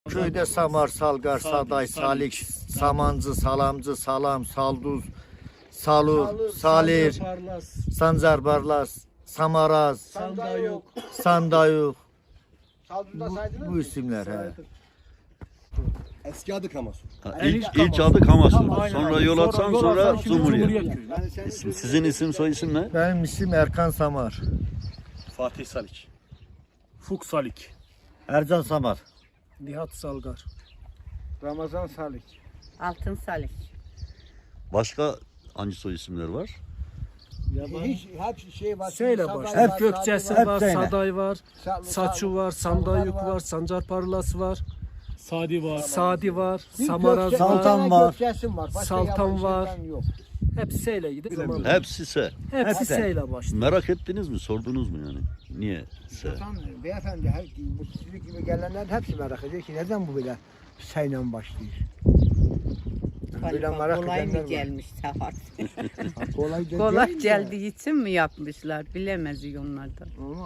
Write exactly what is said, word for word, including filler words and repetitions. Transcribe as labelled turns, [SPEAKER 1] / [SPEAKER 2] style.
[SPEAKER 1] Köyde Samar, Salgar, Saday, Salik, Samancı, Salamcı, Salam, Salduz, Salur, Salir, Sancar Barlas, Samaraz,
[SPEAKER 2] Sandayok.
[SPEAKER 1] Sandayuk.
[SPEAKER 3] Saldırıda
[SPEAKER 1] Bu,
[SPEAKER 3] saydınız
[SPEAKER 1] bu
[SPEAKER 3] mı?
[SPEAKER 1] isimler he.
[SPEAKER 3] Eski adı Kamasu.
[SPEAKER 4] Ha,
[SPEAKER 2] En
[SPEAKER 4] ilk,
[SPEAKER 2] ilk
[SPEAKER 4] ilk
[SPEAKER 2] Kamasu.
[SPEAKER 4] adı Kamasu.
[SPEAKER 2] Aynen
[SPEAKER 4] Sonra
[SPEAKER 2] abi.
[SPEAKER 4] yol atsan
[SPEAKER 2] yol
[SPEAKER 4] sonra,
[SPEAKER 2] atsan şimdi
[SPEAKER 4] Cumhuriyet.
[SPEAKER 2] Köyü.
[SPEAKER 3] Yani senin
[SPEAKER 4] İsim, sizin isim soy isim ne?
[SPEAKER 1] Benim isim Erkan Samar.
[SPEAKER 2] Fatih Salik. Fuk Salik.
[SPEAKER 1] Ercan Samar.
[SPEAKER 2] Nihat Salgar.
[SPEAKER 3] Ramazan Salik.
[SPEAKER 5] Altın Salih.
[SPEAKER 4] Başka hangi soy isimler var?
[SPEAKER 3] Hiç hep şey var.
[SPEAKER 2] Söyle
[SPEAKER 3] Saday
[SPEAKER 2] baş.
[SPEAKER 3] var,
[SPEAKER 2] Hep
[SPEAKER 3] Saday
[SPEAKER 2] Gökçesi
[SPEAKER 3] var,
[SPEAKER 2] var,
[SPEAKER 1] söyle.
[SPEAKER 2] Saday var,
[SPEAKER 3] Sa-
[SPEAKER 2] Saçu var,
[SPEAKER 3] Salgar
[SPEAKER 2] Sandayuk
[SPEAKER 3] var.
[SPEAKER 2] var, Sancar Parlas var,
[SPEAKER 6] Sadi var.
[SPEAKER 2] Sadi var,
[SPEAKER 3] Bir
[SPEAKER 2] Samaraz
[SPEAKER 3] Gökçe-
[SPEAKER 2] var.
[SPEAKER 1] Saltan
[SPEAKER 3] bir tane
[SPEAKER 1] var.
[SPEAKER 3] Gökçesim var. Başka
[SPEAKER 2] Saltan
[SPEAKER 3] yabancı
[SPEAKER 2] var.
[SPEAKER 3] şeyden Yok.
[SPEAKER 2] Hepsi S ile gidip zaman.
[SPEAKER 4] Hepsi S.
[SPEAKER 2] Hepsi
[SPEAKER 1] Hepsi.
[SPEAKER 2] S ile başlıyor.
[SPEAKER 4] Merak ettiniz mi? Sordunuz mu yani? Niye S?
[SPEAKER 3] Zaten beyefendi her bu sizlik gibi gelenler hepsi merak ediyor ki neden bu böyle sayla başlıyor? Böyle
[SPEAKER 5] Galiba
[SPEAKER 3] merak
[SPEAKER 5] kolay
[SPEAKER 3] edenler
[SPEAKER 5] mı
[SPEAKER 3] var.
[SPEAKER 5] gelmiş Safar?
[SPEAKER 3] Ha, Kolay, da
[SPEAKER 5] Kolay
[SPEAKER 3] değil de.
[SPEAKER 5] geldiği için mi yapmışlar? Bilemez onlar da.
[SPEAKER 3] Ama